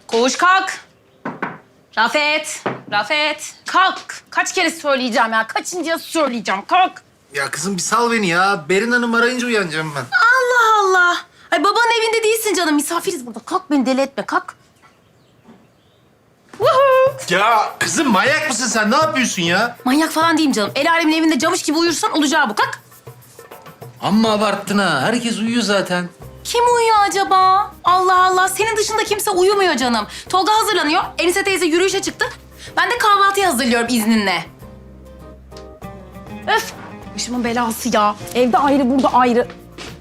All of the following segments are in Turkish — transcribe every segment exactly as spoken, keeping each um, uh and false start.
Koğuş kalk. Rafet, Rafet kalk. Kaç kere söyleyeceğim ya? Kaçıncıya söyleyeceğim? Kalk. Ya kızım bir sal beni ya. Berin Hanım arayınca uyanacağım ben. Allah Allah. Ay babanın evinde değilsin canım. Misafiriz burada. Kalk beni deli etme. Kalk. Woohoo. Ya kızım manyak mısın sen? Ne yapıyorsun ya? Manyak falan değilim canım. El alemin evinde camış gibi uyursan olacağı bu. Kalk. Amma abarttın ha. Herkes uyuyor zaten. Kim uyuyor acaba? Allah Allah. Senin dışında kimse uyumuyor canım. Tolga hazırlanıyor. Enise teyze yürüyüşe çıktı. Ben de kahvaltıyı hazırlıyorum izninle. Öf. Başımın belası ya. Evde ayrı, burada ayrı.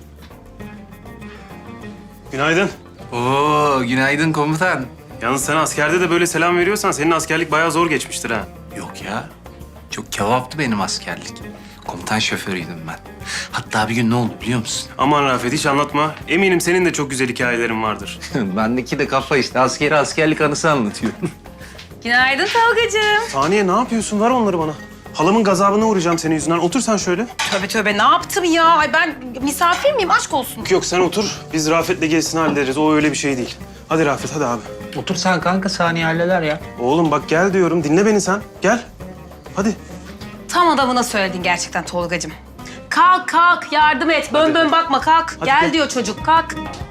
Günaydın. Oo günaydın komutan. Yalnız sen askerde de böyle selam veriyorsan senin askerlik bayağı zor geçmiştir ha. Yok ya. Çok kebaptı benim askerlik. Komutan şoförüydüm ben. Hatta bir gün ne oldu biliyor musun? Aman Rafet hiç anlatma. Eminim senin de çok güzel hikayelerin vardır. Bendeki de kafa işte. Askeri askerlik anısı anlatıyor. Günaydın Tolgacığım. Saniye ne yapıyorsun? Ver onları bana. Halamın gazabına uğrayacağım senin yüzünden. Otur sen şöyle. Tövbe tövbe ne yaptım ya? Ay ben misafir miyim? Aşk olsun. Yok sen otur. Biz Rafet'le gerisini hallederiz. O öyle bir şey değil. Hadi Rafet hadi abi. Otur sen kanka, saniye halleder ya. Oğlum bak gel diyorum. Dinle beni sen. Gel. Hadi. Tam adamına söyledin gerçekten Tolgacığım. Kalk kalk yardım et. Bön Hadi. bön bakma kalk. Hadi gel gel. diyor çocuk kalk.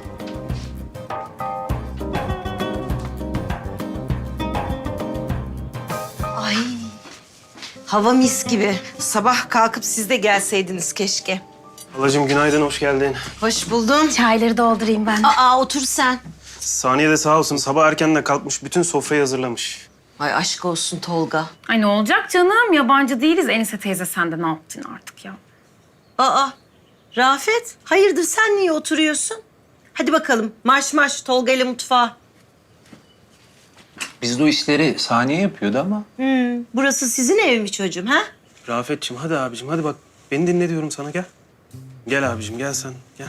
Ay, hava mis gibi. Sabah kalkıp siz de gelseydiniz keşke. Halacığım günaydın, hoş geldin. Hoş buldum. Çayları doldurayım ben. Aa, otur sen. Saniye de sağ olsun sabah erkenden kalkmış. Bütün sofrayı hazırlamış. Ay aşk olsun Tolga. Ay ne olacak canım? Yabancı değiliz. Enise teyze sen de ne yaptın artık ya? Aa, Rafet, hayırdır sen niye oturuyorsun? Hadi bakalım, marş marş Tolga ile mutfağa. Biz de o işleri saniye yapıyordu ama. Hmm, burası sizin ev mi çocuğum ha? Rafet'ciğim hadi abicim hadi bak. Beni dinle diyorum sana gel. Gel abicim gel sen gel.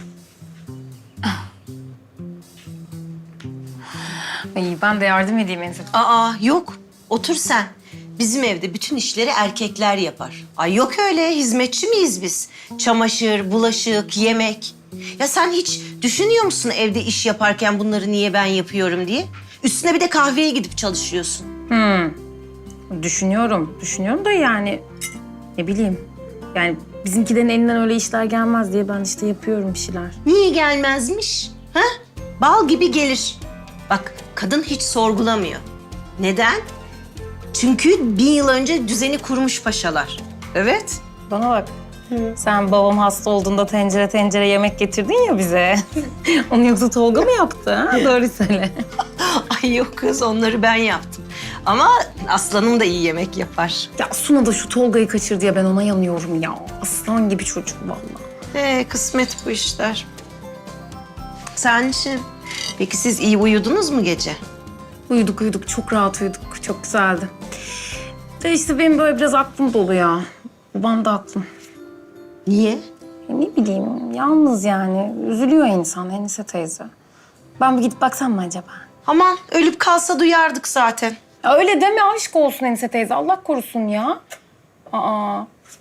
Ay ben de yardım edeyim Enise. Aa, yok. Otur sen. Bizim evde bütün işleri erkekler yapar. Ay yok öyle, hizmetçi miyiz biz? Çamaşır, bulaşık, yemek. Ya sen hiç düşünüyor musun evde iş yaparken bunları niye ben yapıyorum diye? Üstüne bir de kahveye gidip çalışıyorsun. Hmm. Düşünüyorum, düşünüyorum da yani ne bileyim. Yani bizimkilerin elinden öyle işler gelmez diye ben işte yapıyorum bir şeyler. Niye gelmezmiş? Ha? Bal gibi gelir. Bak kadın hiç sorgulamıyor. Neden? Çünkü bin yıl önce düzeni kurmuş paşalar. Evet. Bana bak. Sen babam hasta olduğunda tencere tencere yemek getirdin ya bize. Onu yoksa Tolga mı yaptı? Ha? Doğru söyle. Ay yok kız onları ben yaptım. Ama aslanım da iyi yemek yapar. Ya Suna da şu Tolga'yı kaçırdı ya ben ona yanıyorum ya. Aslan gibi çocuk vallahi. Ee, kısmet bu işler. Sen şimdi, peki siz iyi uyudunuz mu gece? Uyuduk uyuduk çok rahat uyuduk. Çok güzeldi. De işte benim böyle biraz aklım dolu ya. Babam da aklım. Niye? Ya ne bileyim yalnız yani. Üzülüyor insan Enise teyze. Ben bir gidip baksam mı acaba? Aman ölüp kalsa duyardık zaten. Ya öyle deme aşk olsun Enise teyze. Allah korusun ya. Aa.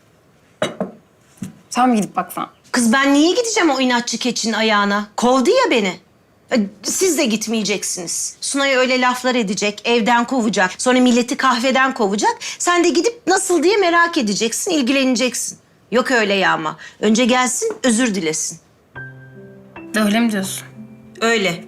Sen mi gidip baksan? Kız ben niye gideceğim o inatçı keçinin ayağına? Kovdu ya beni. E, Siz de gitmeyeceksiniz. Sunay'a öyle laflar edecek, evden kovacak. Sonra milleti kahveden kovacak. Sen de gidip nasıl diye merak edeceksin, ilgileneceksin. Yok öyle ya ama. Önce gelsin, özür dilesin. Öyle mi diyorsun? Öyle.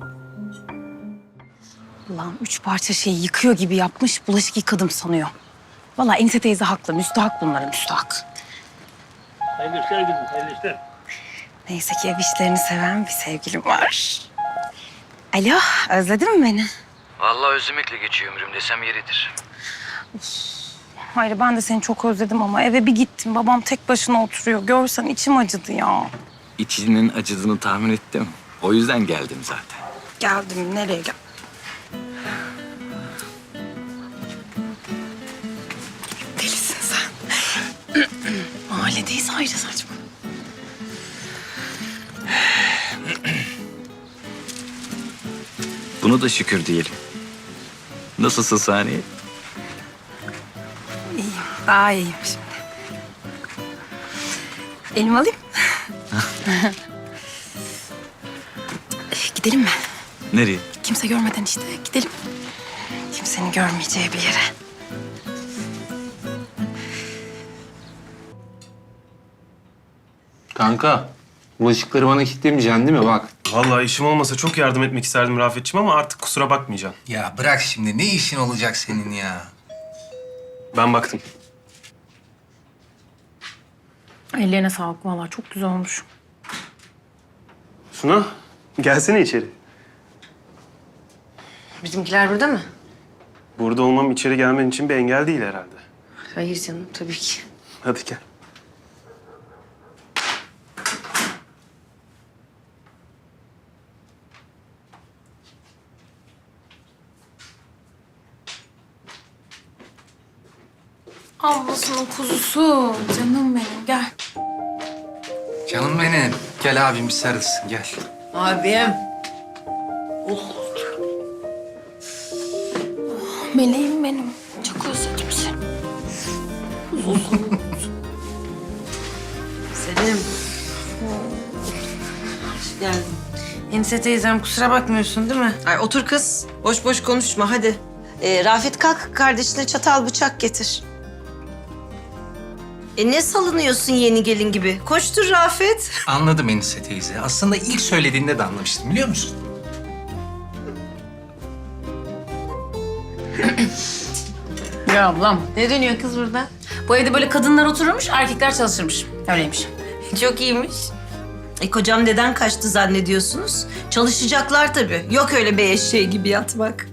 Allah'ım üç parça şeyi yıkıyor gibi yapmış, bulaşık yıkadım sanıyor. Vallahi Enise teyze haklı, müstahak bunların müstahak. Hayırlı işler kızım, hayırlı işler. Neyse ki ev işlerini seven bir sevgilim var. Alo, özledin mi beni? Vallahi özlemekle geçiyor ömrüm desem yeridir. Hayır, ben de seni çok özledim ama eve bir gittim. Babam tek başına oturuyor. Görsen içim acıdı ya. İçinin acıdığını tahmin ettim. O yüzden geldim zaten. Geldim, nereye gel? Delisin sen. Mahalledeyiz ayrı saçma. Bunu da şükür diyelim. Nasılsın Saniye? İyiyim, daha iyiyim şimdi. Elimi alayım. Gidelim mi? Nereye? Kimse görmeden işte gidelim. Kimsenin görmeyeceği bir yere. Kanka, bulaşıkları bana kilitlemeyeceksin değil mi? Bak. Vallahi işim olmasa çok yardım etmek isterdim Rafet'ciğim ama artık kusura bakmayacaksın. Ya bırak şimdi. Ne işin olacak senin ya? Ben baktım. Ellerine sağlık vallahi çok güzel olmuş. Suna, gelsene içeri. Bizimkiler burada mı? Burada olmam içeri gelmen için bir engel değil herhalde. Hayır canım, tabii ki. Hadi gel. Ablasının kuzusu. Canım benim gel. Canım benim. Gel abim bir sarılsın gel. Abim. Meleğim benim. Çok özledim seni. Selim. Yani Enise teyzem kusura bakmıyorsun değil mi? Ay otur kız. Boş boş konuşma hadi. Ee, Rafet kalk kardeşine çatal bıçak getir. E ne salınıyorsun yeni gelin gibi? Koştur Rafet. Anladım Enise teyze. Aslında ilk söylediğinde de anlamıştım biliyor musun? Ya ablam. Ne dönüyor kız burada? Bu evde böyle kadınlar otururmuş, erkekler çalışırmış. Öyleymiş. Çok iyiymiş. E kocam neden kaçtı zannediyorsunuz? Çalışacaklar tabii. Yok öyle bir eşeği gibi yatmak.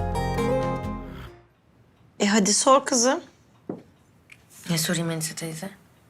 E hadi sor kızım. Ne sorayım Enise teyze?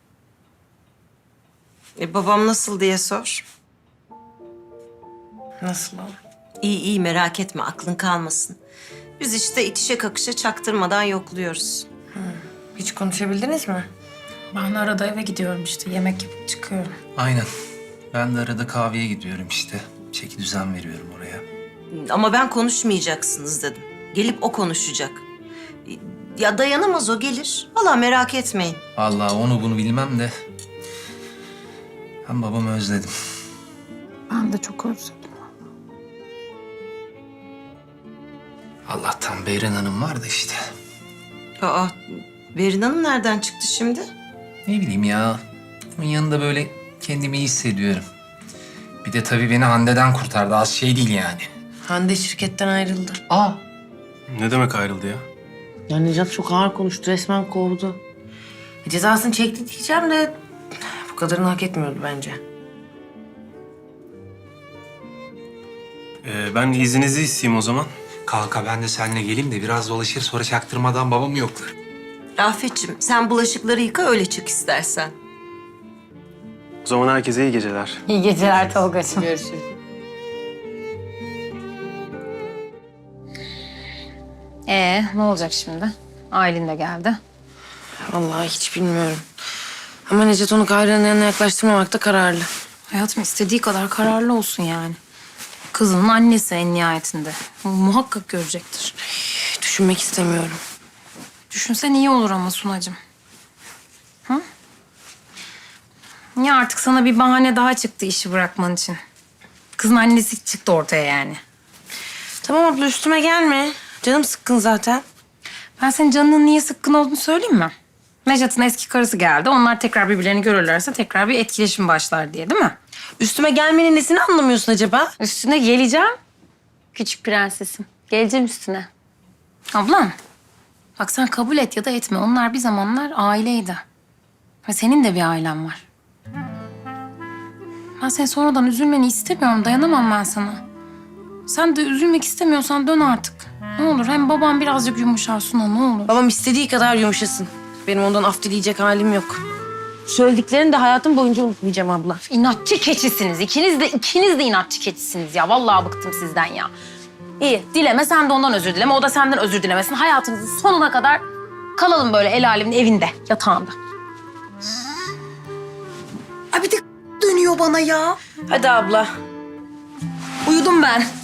E babam nasıl diye sor. Nasıl o? İyi iyi merak etme aklın kalmasın. Biz işte itişe kakışa çaktırmadan yokluyoruz. Hiç konuşabildiniz mi? Ben arada eve gidiyorum işte, yemek yapıp çıkıyorum. Aynen. Ben de arada kahveye gidiyorum işte. Çeki düzen veriyorum oraya. Ama ben konuşmayacaksınız dedim. Gelip o konuşacak. Ya dayanamaz o gelir. Vallahi merak etmeyin. Vallahi onu bunu bilmem de... Ben babamı özledim. Ben de çok özledim. Allah'tan Beyren Hanım var da işte. Aa, Berin Hanım nereden çıktı şimdi? Ne bileyim ya. Onun yanında böyle kendimi iyi hissediyorum. Bir de tabii beni Hande'den kurtardı. Az şey değil yani. Hande şirketten ayrıldı. Aa. Ne demek ayrıldı ya? Ya Necat çok ağır konuştu, resmen kovdu. E, cezasını çekti diyeceğim de bu kadarını hak etmiyordu bence. Ee, ben izninizi isteyeyim o zaman. Kanka ben de seninle geleyim de biraz dolaşır sonra çaktırmadan babamı yoklar. Rafet'ciğim sen bulaşıkları yıka öyle çık istersen. O zaman herkese iyi geceler. İyi geceler Tolga'cığım. Görüşürüz. Ee, ne olacak şimdi? Aylin de geldi. Vallahi hiç bilmiyorum. Ama Necat onu Kayra'nın yanına yaklaştırmamakta kararlı. Hayatım istediği kadar kararlı olsun yani. Kızının annesi en nihayetinde. Muhakkak görecektir. Düşünmek istemiyorum. Düşünsen iyi olur ama Sunacığım. Hı? Ya artık sana bir bahane daha çıktı işi bırakman için. Kızın annesi çıktı ortaya yani. Tamam abla üstüme gelme. Canım sıkkın zaten. Ben senin canının niye sıkkın olduğunu söyleyeyim mi? Necat'ın eski karısı geldi. Onlar tekrar birbirlerini görürlerse tekrar bir etkileşim başlar diye değil mi? Üstüme gelmenin nesini anlamıyorsun acaba? Üstüne geleceğim. Küçük prensesim. Geleceğim üstüne. Ablam. Bak sen kabul et ya da etme. Onlar bir zamanlar aileydi. Ve senin de bir ailen var. Ben senin sonradan üzülmeni istemiyorum. Dayanamam ben sana. Sen de üzülmek istemiyorsan dön artık. Ne olur hem babam birazcık yumuşar Suna ne olur. Babam istediği kadar yumuşasın. Benim ondan af dileyecek halim yok. Söylediklerini de hayatım boyunca unutmayacağım abla. İnatçı keçisiniz. İkiniz de ikiniz de inatçı keçisiniz ya. Vallahi bıktım sizden ya. İyi dileme sen de ondan özür dileme. O da senden özür dilemesin. Hayatımızın sonuna kadar kalalım böyle el alemin evinde, yatağında. Ay bir de dönüyor bana ya. Hadi abla. Uyudum ben.